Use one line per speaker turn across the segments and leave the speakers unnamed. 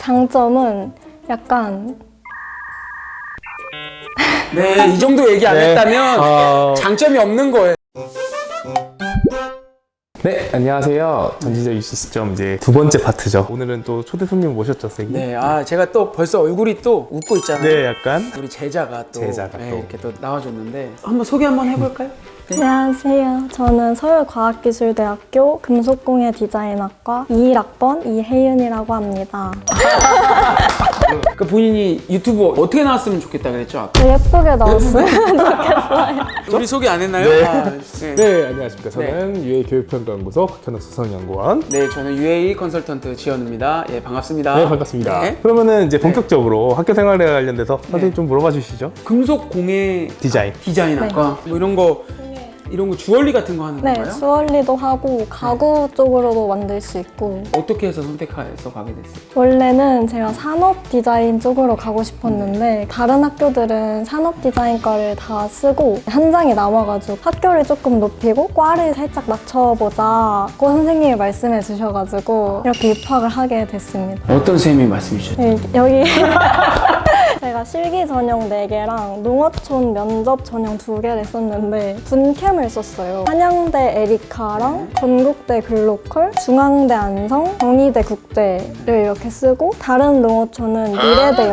장점은 약간
네, 이 정도 얘기 안 했다면 장점이 없는 거예요.
네, 안녕하세요. 전지적 입시 시점 이제 두 번째 파트죠. 오늘은 또 초대 손님 모셨죠, 선생님?
네, 제가 또 벌써 얼굴이 또 웃고 있잖아요.
네, 약간.
우리 제자가 또
제자가 또.
이렇게 또 나와줬는데 한번 소개 한번 해볼까요? 네.
안녕하세요. 저는 서울과학기술대학교 금속공예 디자인학과 21학번 이혜윤이라고 합니다.
그 본인이 유튜브 어떻게 나왔으면 좋겠다 그랬죠? 아까?
더 예쁘게 나왔으면 좋겠어요.
우리 소개 안 했나요?
네.
네.
네, 안녕하십니까. 저는 유해 교육평가연구소 박현욱 수석연구원.
네, 저는 UAE 컨설턴트 지현우입니다. 예, 반갑습니다.
네, 반갑습니다.
네.
그러면은 이제 본격적으로 학교 생활에 관련돼서 선생님 좀 물어봐 주시죠.
금속 공예
디자인학과.
뭐 이런 거 주얼리 같은 거 하는
네,
건가요?
주얼리도 하고 가구 쪽으로도 만들 수 있고
어떻게 해서 선택해서 가게 됐어요?
원래는 제가 산업 디자인 쪽으로 가고 싶었는데 다른 학교들은 산업 디자인과를 다 쓰고 한 장이 남아가지고 학교를 조금 높이고 과를 살짝 낮춰보자고 선생님이 말씀해 주셔가지고 이렇게 입학을 하게 됐습니다.
어떤 선생님이 말씀해 주셨죠?
네, 여기 제가 실기 전형 4개랑 농어촌 면접 전형 2개를 썼는데 분캠을 썼어요. 한양대 에리카랑 건국대 글로컬, 중앙대 안성, 경희대 국제를 이렇게 쓰고 다른 농어촌은 미래대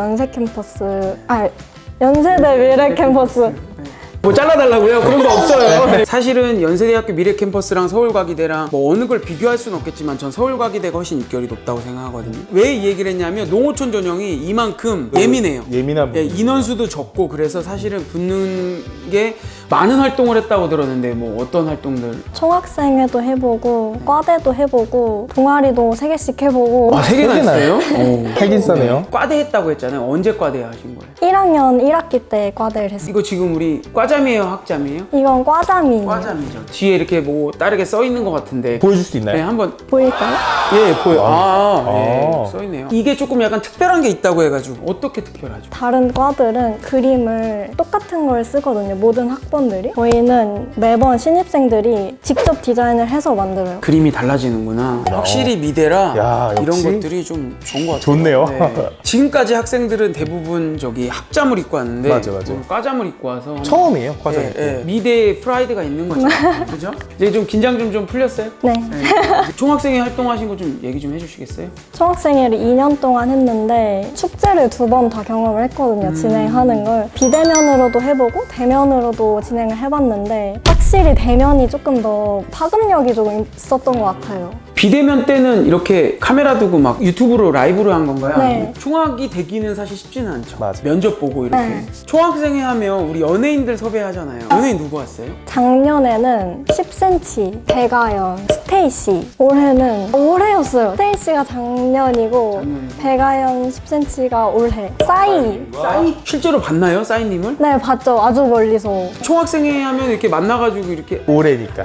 연세대 미래 캠퍼스
뭐 잘라달라고요? 그런 거 없어요. 사실은 연세대학교 미래캠퍼스랑 서울과기대랑 뭐 어느 걸 비교할 수는 없겠지만 전 서울과기대가 훨씬 입결이 높다고 생각하거든요. 왜 이 얘기를 했냐면 농어촌 전형이 이만큼 예민해요.
예민한
예,
부분.
인원수도 적고 그래서 사실은 붙는 게 많은 활동을 했다고 들었는데 뭐 어떤 활동들?
총학생회도 해보고 과대도 해보고 동아리도 3개씩 해보고
3개나 했어요?
핵인싸네요.
과대 했다고 했잖아요. 언제 과대 하신 거예요?
1학년 1학기 때 과대를 했어요.
이거 지금 우리 과잠이에요? 학잠이에요?
이건 과잠이에요.
과잠이죠. 뒤에 이렇게 뭐 다르게 써 있는 것 같은데
보여줄 수 있나요?
네, 한번
보일까요?
예, 보여.
아.
예, 써있네요. 이게 조금 약간 특별한 게 있다고 해가지고 어떻게 특별하죠?
다른 과들은 그림을 똑같은 걸 쓰거든요. 모든 학번들이. 저희는 매번 신입생들이 직접 디자인을 해서 만들어요.
그림이 달라지는구나. 확실히 미대라
야,
이런
역시
것들이 좀 좋은 것 같아요.
좋네요.
지금까지 학생들은 대부분 저기 학잠을 입고 왔는데
맞아.
오늘 과잠을 입고 와서
처음이에요, 과정.
미대의 프라이드가 있는 거죠. 그죠? 이제 좀 긴장 좀 풀렸어요?
네.
네. 총학생회 활동하신 거 좀 얘기 좀 해주시겠어요?
총학생회를 2년 동안 했는데 축제를 2번 다 경험을 했거든요. 진행하는 걸. 비대면으로도 해보고 대면으로도 진행을 해봤는데 확실히 대면이 조금 더 파급력이 조금 있었던 것 같아요.
비대면 때는 이렇게 카메라 두고 막 유튜브로 라이브로 한 건가요?
네.
아니면 총학이 되기는 사실 쉽지는 않죠.
맞아.
면접 보고 이렇게.
네.
총학생회 하면 우리 연예인들 섭외하잖아요. 연예인 누구 왔어요?
작년에는 10cm, 배가연, 스테이시. 올해였어요. 스테이시가 작년이고 배가연 10cm가 올해. 싸이.
싸이? 실제로 봤나요? 싸이님을?
네, 봤죠. 아주 멀리서.
총학생회 하면 이렇게 만나가지고 이렇게
올해니까.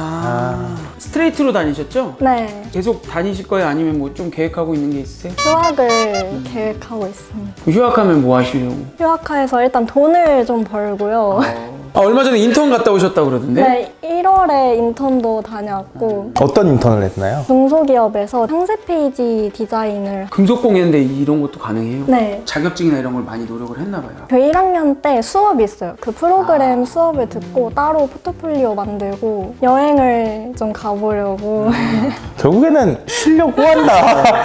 스트레이트로 다니셨죠?
네.
계속 다니실 거예요? 아니면 뭐 좀 계획하고 있는 게 있으세요?
휴학을 계획하고 있습니다.
휴학하면 뭐 하시려고?
휴학하에서 일단 돈을 좀 벌고요.
얼마 전에 인턴 갔다 오셨다고 그러던데?
네, 1월에 인턴도 다녀왔고
어떤 인턴을 했나요?
중소기업에서 상세 페이지 디자인을
금속공예인데 이런 것도 가능해요?
네.
자격증이나 이런 걸 많이 노력을 했나 봐요.
그 1학년 때 수업이 있어요. 그 프로그램 수업을 듣고 따로 포트폴리오 만들고 여행을 좀 가보려고.
결국에는 쉬려고 한다.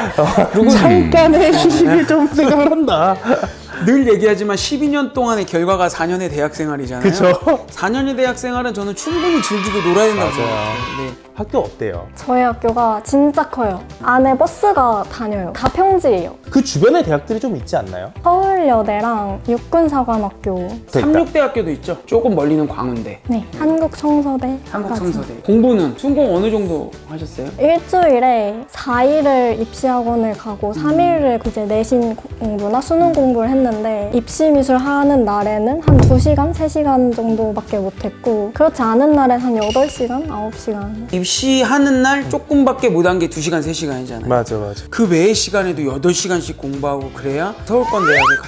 잠깐의 휴식을 좀 생각을 한다.
늘 얘기하지만 12년 동안의 결과가 4년의 대학 생활이잖아요.
그쵸?
4년의 대학 생활은 저는 충분히 즐기고 놀아야 된다고
맞아요.
생각해요. 네.
학교 어때요?
저희 학교가 진짜 커요. 안에 버스가 다녀요. 다 평지예요.
그 주변에 대학들이 좀 있지 않나요?
서울여대랑 육군사관학교,
삼육대학교도 있죠. 조금 멀리는 광운대,
네, 한국청서대.
한국성서대. 공부는 순공 어느 정도 하셨어요?
일주일에 4일을 입시학원을 가고 3일을 이제 내신 공부나 수능 공부를 했는데 입시 미술 하는 날에는 한 2시간, 3시간 정도밖에 못했고 그렇지 않은 날엔 한 8시간, 9시간.
입시하는 날 조금밖에 못 한 게 2시간, 3시간이잖아요.
맞아.
그 외의 시간에도 8시간씩 공부하고 그래야 서울권 대학에 갈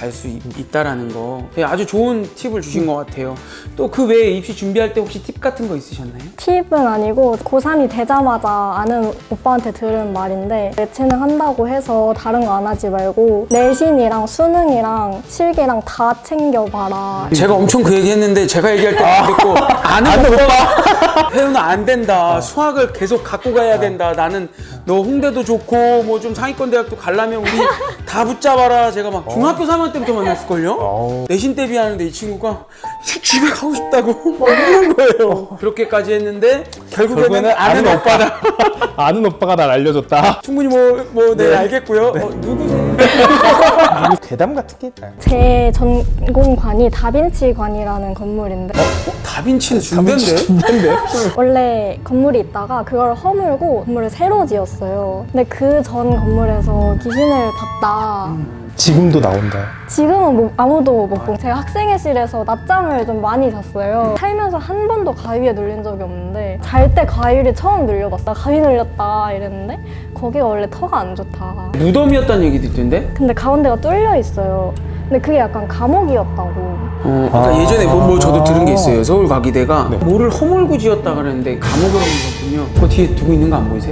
갈 수 있다라는 거 아주 좋은 팁을 주신 것 같아요. 또 그 외에 입시 준비할 때 혹시 팁 같은 거 있으셨나요?
팁은 아니고 고3이 되자마자 아는 오빠한테 들은 말인데 예체능 한다고 해서 다른 거 안 하지 말고 내신이랑 수능이랑 실기랑 다 챙겨봐라.
제가 엄청 그 얘기 했는데 제가 얘기할 때 안 듣고 아는 오빠가 혜윤아 안 된다. 수학을 계속 갖고 가야 된다. 나는 너 홍대도 좋고 뭐 좀 상위권 대학도 가려면 우리 다 붙잡아라. 제가 막 중학교 3학년 때부터 만났을걸요? 내신 대비하는데 이 친구가 집에 가고 싶다고 막 이러는 거예요. 그렇게까지 했는데 결국에는 아는 오빠다.
아는 오빠가 날 알려줬다.
충분히 네 알겠고요. 누구세요?
괴담 같은 게 있나요?
제 전공관이 다빈치관이라는 건물인데
다빈치는 준대인데?
준비인데?
원래 건물이 있다가 그걸 허물고 건물을 새로 지었어요. 근데 그 전 건물에서 귀신을 봤다.
지금도 나온다.
지금은 아무도 못 보고 제가 학생회실에서 낮잠을 좀 많이 잤어요. 살면서 한 번도 가위에 눌린 적이 없는데 잘 때 가위를 처음 눌려봤어. 나 가위 눌렸다 이랬는데 거기가 원래 터가 안 좋다.
무덤이었다는 얘기도 있던데?
근데 가운데가 뚫려 있어요. 근데 그게 약간 감옥이었다고.
그러니까 예전에 저도 들은 게 있어요. 서울과기대가 뭐를 허물고 지었다 그랬는데 감옥을 옮겼군요. 그 뒤에 두고 있는 거 안 보이세요?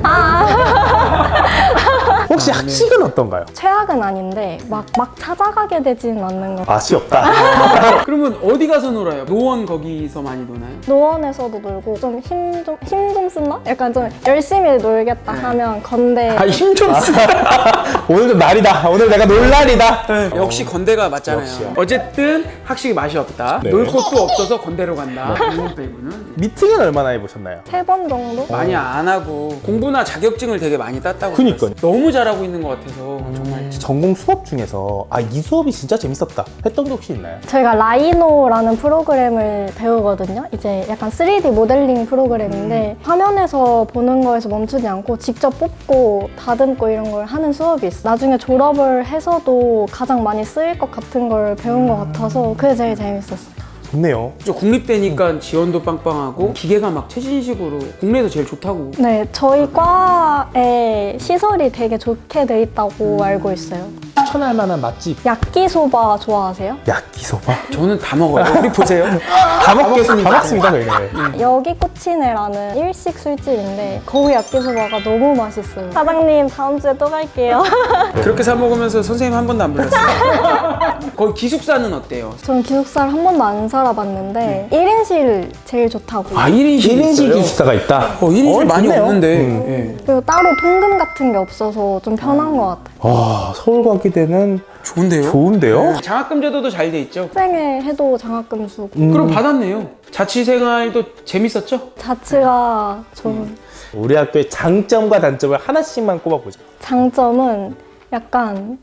혹시 학식은 어떤가요?
최악은 아닌데 막 찾아가게 되지는 않는 것 같아요.
맛이 없다.
그러면 어디 가서 놀아요? 노원 거기서 많이 노나요?
노원에서도 놀고 좀 힘 좀 쓴다? 약간 좀 열심히 놀겠다 하면 건대
힘 좀 쓰.
오늘 좀 날이다. 오늘 내가 놀 날이다.
역시 건대가 맞잖아요.
역시요.
어쨌든 학식이 맛이 없다.
네.
놀 곳도 없어서 건대로 간다. 이건 빼고는
미팅은 얼마나 해보셨나요?
3번 정도?
많이 안 하고 공부나 자격증을 되게 많이 땄다고.
그니까요.
들었어요. 너무 잘하고 있는 것 같아서 정말.
전공 수업 중에서 이 수업이 진짜 재밌었다 했던 게 혹시 있나요?
저희가 라이노라는 프로그램을 배우거든요. 이제 약간 3D 모델링 프로그램인데 화면에서 보는 거에서 멈추지 않고 직접 뽑고 다듬고 이런 걸 하는 수업이 있어요. 나중에 졸업을 해서도 가장 많이 쓰일 것 같은 걸 배운 것 같아서 그게 제일 재밌었어요.
좋네요.
국립대니까 지원도 빵빵하고 기계가 막 최신식으로 국내에서 제일 좋다고.
네, 저희 과에 시설이 되게 좋게 돼 있다고 알고 있어요.
추천할 만한 맛집
야끼소바 좋아하세요?
야끼소바?
저는 다 먹어요. 우리 보세요.
다 먹겠습니다. 저희는.
여기 꼬치네라는 일식 술집인데 거기 야끼소바가 너무 맛있어요. 사장님 다음 주에 또 갈게요.
그렇게 사 먹으면서 선생님 한 번도 안 불렀어요. 거기 기숙사는 어때요?
저는 기숙사를 한 번도 안 살아봤는데 1인실 제일 좋다고.
1인실
1인실
있어요?
기숙사가 있다?
1인실 많이
좋네요.
없는데. 예.
그리고 따로 통금 같은 게 없어서 좀 편한 것 같아요.
서울과기대는
좋은데요?
좋은데요?
장학금 제도도 잘 돼 있죠?
학생회 해도 장학금 주고
그럼 받았네요. 자취생활도 재밌었죠?
자취가 좋은
우리 학교의 장점과 단점을 하나씩만 꼽아보자.
장점은 약간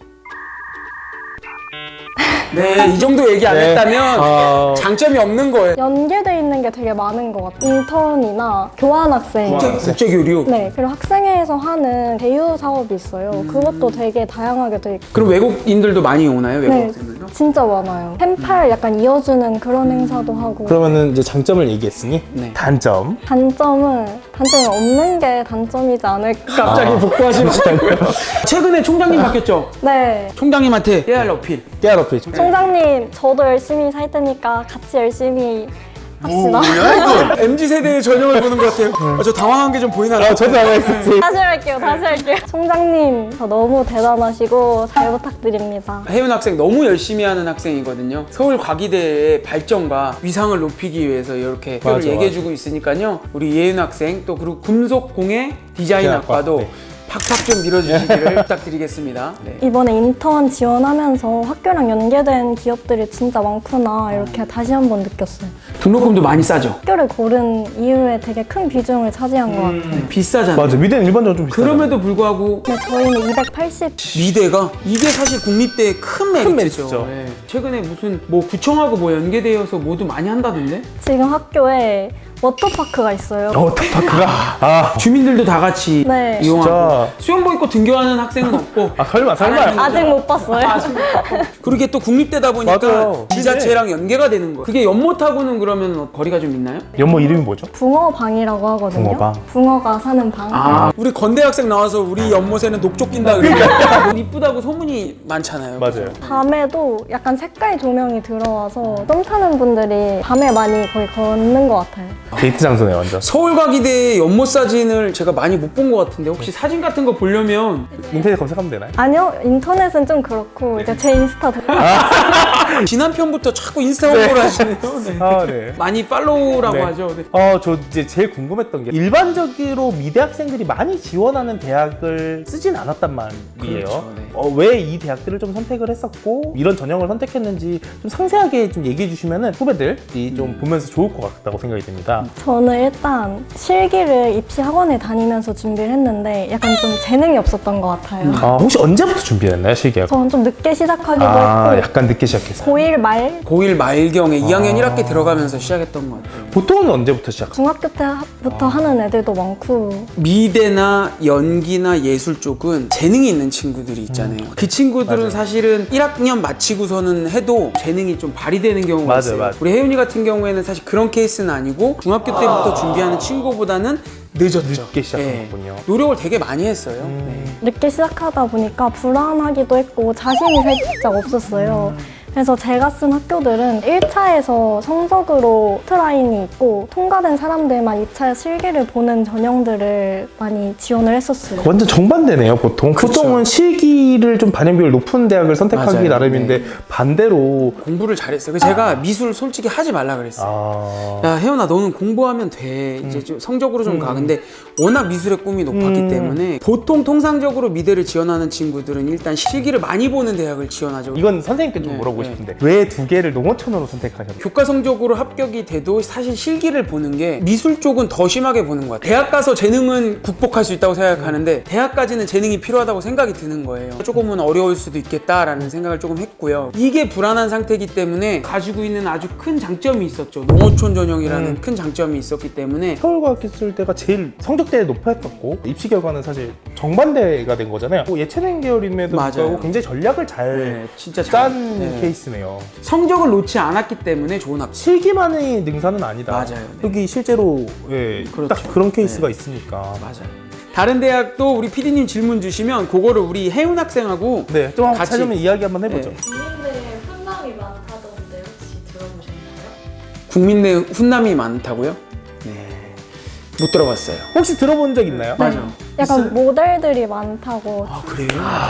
네, 이 정도 얘기 안
네.
했다면 장점이 없는 거예요.
연계돼 있는 게 되게 많은 것 같아요. 인턴이나 교환학생.
국제교류.
네, 그리고 학생회에서 하는 대유 사업이 있어요. 그것도 되게 다양하게 돼 있고.
그럼 외국인들도 많이 오나요? 외국
네,
학생들도?
진짜 많아요. 펜팔 약간 이어주는 그런 행사도 하고.
그러면은 이제 장점을 얘기했으니
네.
단점이
단점이 없는 게 단점이지 않을까.
갑자기 복구하시면 최근에 총장님 바뀌었죠?
네.
총장님한테 깨알 어필.
깨알 어필.
총장님, 저도 열심히 살 테니까 같이 열심히 합시다.
MZ세대의 전형을 보는 것 같아요. 저 당황한 게 좀 보이나요?
저도 안 했었지.
다시 할게요. 총장님, 저 너무 대단하시고 잘 부탁드립니다.
혜윤 학생 너무 열심히 하는 학생이거든요. 서울과기대의 발전과 위상을 높이기 위해서 이렇게 학교를
맞아,
얘기해주고 있으니까요. 우리 예윤 학생 또 그리고 금속공예 디자인학과도
네.
팍팍 좀 밀어주시기를 부탁드리겠습니다. 네.
이번에 인턴 지원하면서 학교랑 연계된 기업들이 진짜 많구나 이렇게 다시 한번 느꼈어요.
등록금도 많이 싸죠?
학교를 고른 이유에 되게 큰 비중을 차지한 것 같아요.
비싸잖아요.
맞아. 미대는 일반적으로 좀 비싸.
그럼에도 불구하고
근데 저희는 280.
미대가 이게 사실 국립대의 큰 메리트죠.
메리트죠.
네. 최근에 무슨 뭐 구청하고 뭐 연계되어서 모두 많이 한다던데?
지금 학교에 워터파크가 있어요.
워터파크가
주민들도 다 같이
네.
이용하고
진짜.
수영복 입고 등교하는 학생은 없고
설마
아직 못 봤어요.
그리게 또 국립대다 보니까
맞아요.
지자체랑 연계가 되는 거예요. 그게 연못하고는 그러면 거리가 좀 있나요?
연못 이름이 뭐죠?
붕어방이라고 하거든요.
붕어방.
붕어가 사는 방.
우리 건대 학생 나와서 우리 연못에는 녹조 낀다 그러니까 이쁘다고 소문이 많잖아요.
맞아요.
밤에도 약간 색깔 조명이 들어와서 썸 타는 분들이 밤에 많이 거의 걷는 것 같아요.
데이트 장소네 완전.
서울과기대 연못 사진을 제가 많이 못 본 것 같은데 혹시 사진 같은 거 보려면
인터넷 검색하면 되나요?
아니요, 인터넷은 좀 그렇고 이제 제 인스타
지난 편부터 자꾸 인스타 홍보를 하시네요. 네.
네.
많이 팔로우라고
네.
하죠. 네.
저 이제 제일 궁금했던 게 일반적으로 미대 학생들이 많이 지원하는 대학을 쓰진 않았단 말이에요.
그렇죠, 네.
왜 이 대학들을 좀 선택을 했었고 이런 전형을 선택했는지 좀 상세하게 좀 얘기해 주시면은 후배들이 좀 보면서 좋을 것 같다고 생각이 듭니다.
저는 일단 실기를 입시 학원에 다니면서 준비를 했는데 약간 좀 재능이 없었던 것 같아요.
혹시 언제부터 준비했나요, 실기학?
저는 좀 늦게 시작하기도 했고
약간 늦게 시작했어요.
고1 말
고1 말경에 2학년 1학기 들어가면서 시작했던 것 같아요.
보통은 언제부터 시작?
중학교 때부터 하는 애들도 많고
미대나 연기나 예술 쪽은 재능이 있는 친구들이 있잖아요. 그 친구들은
맞아요.
사실은 1학년 마치고서는 해도 재능이 좀 발휘되는 경우가
맞아요,
있어요.
맞아요.
우리 혜윤이 같은 경우에는 사실 그런 케이스는 아니고 중학교 때부터 준비하는 친구보다는 늦었죠.
늦게 시작한
네.
거군요.
노력을 되게 많이 했어요. 네.
늦게 시작하다 보니까 불안하기도 했고 자신이 살짝 없었어요. 그래서 제가 쓴 학교들은 1차에서 성적으로 트라인이 있고 통과된 사람들만 2차 실기를 보는 전형들을 많이 지원을 했었어요.
완전 정반대네요, 보통.
그쵸.
보통은 실기를 좀 반영 비율 높은 대학을 선택하기
맞아요.
나름인데
네.
반대로
공부를 잘했어요. 그래서 제가 미술 솔직히 하지 말라 그랬어요. 야 혜연아 너는 공부하면 돼 이제 좀 성적으로 좀 가. 근데 워낙 미술의 꿈이 높았기 때문에 보통 통상적으로 미대를 지원하는 친구들은 일단 실기를 많이 보는 대학을 지원하죠.
이건 선생님께 좀
네,
물어보고
네.
싶은데 왜 두 개를 농어촌으로 선택하셨나요?
교과 성적으로 합격이 돼도 사실 실기를 보는 게 미술 쪽은 더 심하게 보는 것 같아요. 대학 가서 재능은 극복할 수 있다고 생각하는데 대학까지는 재능이 필요하다고 생각이 드는 거예요. 조금은 어려울 수도 있겠다라는 생각을 조금 했고요. 이게 불안한 상태이기 때문에 가지고 있는 아주 큰 장점이 있었죠. 농어촌 전형이라는 큰 장점이 있었기 때문에
서울과학기술대가 제일 성적대에 높았었고 입시 결과는 사실 정반대가 된 거잖아요. 예체능 계열임에도
맞아요.
불구하고 굉장히 전략을 잘
네, 진짜
짠
네.
케이스네요.
성적을 놓지 않았기 때문에 좋은 학교.
실기만의 능사는 아니다.
맞아요. 네.
여기 실제로
그렇죠.
딱 그런 케이스가
네.
있으니까.
맞아요. 다른 대학도 우리 PD님 질문 주시면 그거를 우리 혜윤 학생하고
네, 좀 한번
같이-
찾으면 이야기 한번 해보죠.
네.
국민대 훈남이 많다던데 혹시 들어보셨나요?
국민대 훈남이 많다고요? 네. 못 들어봤어요.
혹시 들어본 적 있나요?
맞아.
약간 모델들이 많다고
아 그래요?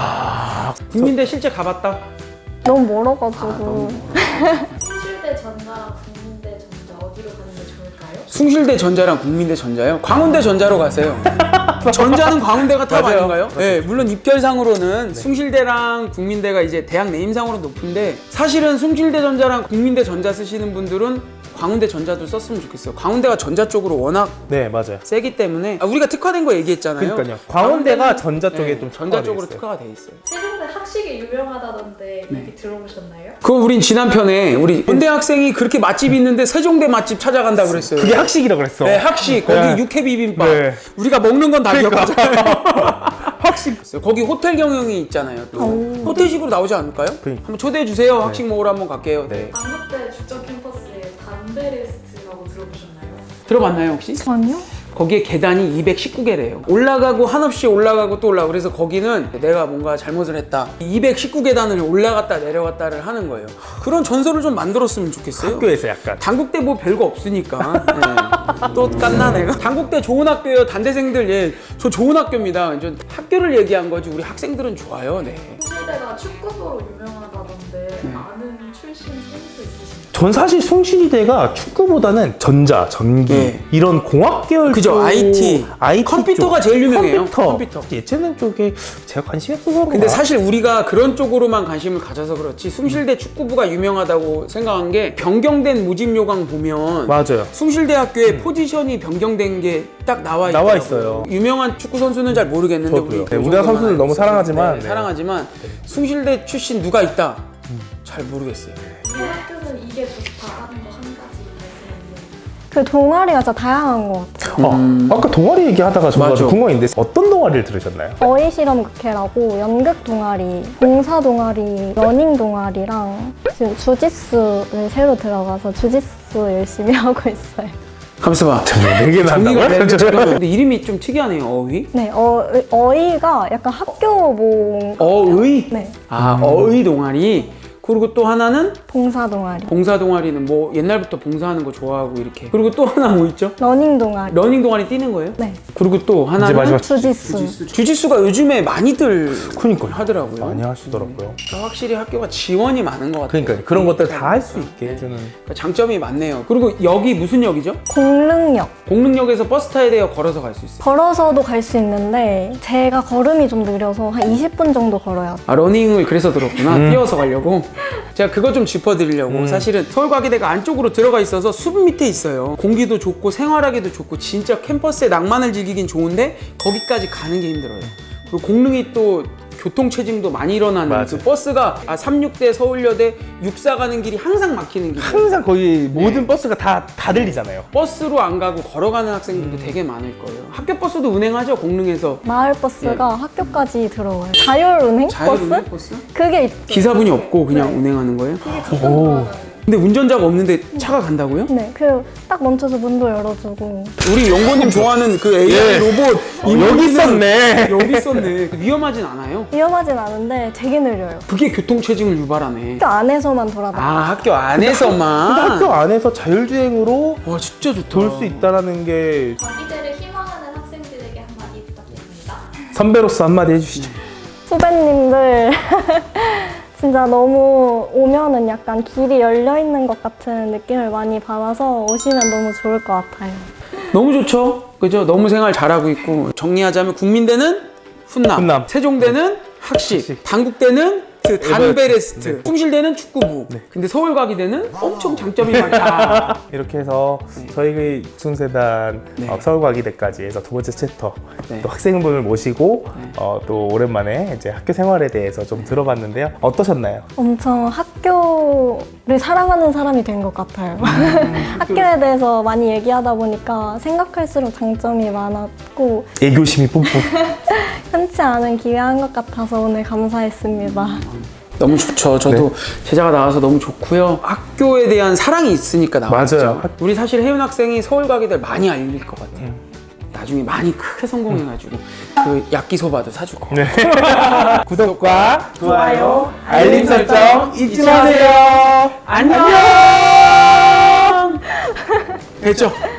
국민대 실제 가봤다?
너무 멀어가지고
숭실대 전자랑 국민대 전자 어디로 가는 게 좋을까요?
숭실대 전자랑 국민대 전자요? 광운대 전자로 가세요. 전자는 광운대가 탑
맞아요.
아닌가요? 네, 물론 입결상으로는 숭실대랑 국민대가 이제 대학 네임상으로 높은데 사실은 숭실대 전자랑 국민대 전자 쓰시는 분들은 광운대 전자도 썼으면 좋겠어요. 광운대가 전자 쪽으로 워낙
네, 맞아요.
세기 때문에 우리가 특화된 거 얘기했잖아요.
그러니까요. 광운대가
광운대는-
전자 쪽에 좀
전자
특화가
쪽으로
돼 있어요.
특화가 돼 있어요.
세종대 학식이 유명하다던데 얘기 들어보셨나요?
그거 우린 지난 편에 우리 건대 학생이 그렇게 맛집이 있는데 세종대 맛집 찾아간다고 그랬어요.
그게 학식이라고 그랬어.
네, 학식 거기
네.
육회 비빔밥.
네.
우리가 먹는 건 다 기억하잖아요.
학식.
거기 호텔 경영이 있잖아요. 또 호텔식으로 나오지 않을까요?
그러니까.
한번 초대해 주세요. 학식 먹으러 한번 갈게요.
네.
강북대 주점 캠퍼스에 담베레스트라고 들어보셨나요?
들어봤나요 혹시?
아니요?
거기에 계단이 219개래요. 올라가고 한없이 올라가고 또 올라가고 그래서 거기는 내가 뭔가 잘못을 했다. 219계단을 올라갔다 내려갔다를 하는 거예요. 그런 전설을 좀 만들었으면 좋겠어요.
학교에서 약간.
단국대 뭐 별거 없으니까. 네. 또 깠나 내가? 단국대 좋은 학교예요. 단대생들 예, 저 좋은 학교입니다. 저 학교를 얘기한 거지 우리 학생들은 좋아요. 네.
숭실대가 축구부로 유명하다던데 아는 출신 선수 있으신가요?
전 사실 숭실이대가 축구보다는 전자, 전기
네.
이런 공학 계열
그죠,
쪽,
IT. 컴퓨터가
쪽.
제일 유명해요. 컴퓨터.
예체능 쪽에 제가 관심이 없어서 그런가?
근데 사실 우리가 그런 쪽으로만 관심을 가져서 그렇지 숭실대 축구부가 유명하다고 생각한 게 변경된 모집 요강 보면
맞아요.
숭실대학교에 포지션이 변경된 게 딱 나와
있어요.
유명한 축구 선수는 잘 모르겠는데
저도요. 네,
그
우리나라
정도만
선수들 너무
알고
사랑하지만,
네,
네.
사랑하지만 숭실대 출신 누가 있다? 잘 모르겠어요.
우리 학교는 이게 좋다 하는 거 한 가지 말씀해주세요.
그 동아리가 진짜 다양한 것 같아요.
아까 동아리 얘기하다가 저가
맞아.
궁금한데 어떤 동아리를 들으셨나요?
어휘실험극회라고 연극 동아리, 봉사 동아리, 러닝 동아리랑 지금 주짓수를 새로 들어가서 주짓수 열심히 하고 있어요.
가만있어 봐.
네 개나
정리가
한다고요?
되는데 근데 이름이 좀 특이하네요. 어휘?
네, 어휘가 약간 학교봉.
어의?
네,
아, 어의 동아리. 그리고 또 하나는
봉사 동아리,
봉사 동아리는 뭐 옛날부터 봉사하는 거 좋아하고 이렇게. 그리고 또 하나 뭐 있죠?
러닝 동아리.
러닝 동아리 뛰는 거예요?
네,
그리고 또
이제
하나는
마지막
주짓수.
주짓수가 요즘에 많이들
그러니까요.
하더라고요.
많이 하시더라고요.
확실히 학교가 지원이 많은 것 같아요.
그러니까 그런 것들 다 할 수 있게
네.
해주는.
그러니까 장점이 많네요. 그리고 여기 무슨 역이죠?
공릉역.
공릉역에서 버스 타야 돼요? 걸어서 갈 수 있어요?
걸어서도 갈 수 있는데 제가 걸음이 좀 느려서 한 20분 정도 걸어야 돼요.
아, 러닝을 그래서 들었구나. 뛰어서 가려고. 제가 그거 좀 짚어드리려고. 사실은 서울과기대가 안쪽으로 들어가 있어서 숲 밑에 있어요. 공기도 좋고 생활하기도 좋고 진짜 캠퍼스의 낭만을 즐기긴 좋은데 거기까지 가는 게 힘들어요. 그리고 공릉이 또 교통체증도 많이 일어나는
맞아요.
그 버스가 36대 서울여대 64 가는 길이 항상 막히는 길.
항상 거의 모든 버스가 다 들리잖아요.
버스로 안 가고 걸어가는 학생들도 되게 많을 거예요. 학교 버스도 운행하죠, 공릉에서.
마을 버스가 학교까지 들어와요. 자율운행
자율운행
버스?
버스?
그게 있어요.
기사분이 없고 그냥 운행하는 거예요?
오.
근데 운전자가 없는데 차가 간다고요?
네, 그 딱 멈춰서 문도 열어주고.
우리 연고님 좋아하는 그 AI
예.
로봇
여기 있었네.
여기 있었네. 위험하진 않아요?
위험하진 않은데 되게 느려요.
그게 교통체증을 유발하네.
학교 안에서만 돌아다녀요.
아, 학교 안에서만?
근데 학교 안에서 자율주행으로
와, 진짜 좋다.
돌 수 있다라는 게
과기대를 희망하는 학생들에게 한마디 부탁드립니다.
선배로서 한마디 해주시죠.
후배님들 진짜 너무 오면은 약간 길이 열려 있는 것 같은 느낌을 많이 받아서 오시면 너무 좋을 것 같아요.
너무 좋죠? 그죠? 너무 생활 잘하고 있고. 정리하자면 국민대는 훈남,
훈남.
세종대는 학식,
학식.
단국대는 그 단베레스트,
네.
숭실대는 축구부. 근데 서울과기대는 엄청 장점이 많다.
이렇게 해서 저희 그 순세단
네.
서울과기대까지 해서 두 번째 챕터
네.
또 학생분을 모시고 또 오랜만에 이제 학교 생활에 대해서 좀 들어봤는데요. 어떠셨나요?
엄청 학교를 사랑하는 사람이 된 것 같아요. 학교에 대해서 많이 얘기하다 보니까 생각할수록 장점이 많았고
애교심이 뿜뿜.
흔치 않은 기회한 것 같아서 오늘 감사했습니다.
너무 좋죠. 저도 제자가 나와서 너무 좋고요. 학교에 대한 사랑이 있으니까 나왔죠.
맞아요.
우리 사실 혜윤 학생이 서울과기대를 많이 알릴 것 같아요. 나중에 많이 크게 성공해가지고 그 야끼소바도 사줄 거.
네. 구독과 좋아요, 알림 설정 잊지 마세요.
안녕. 됐죠?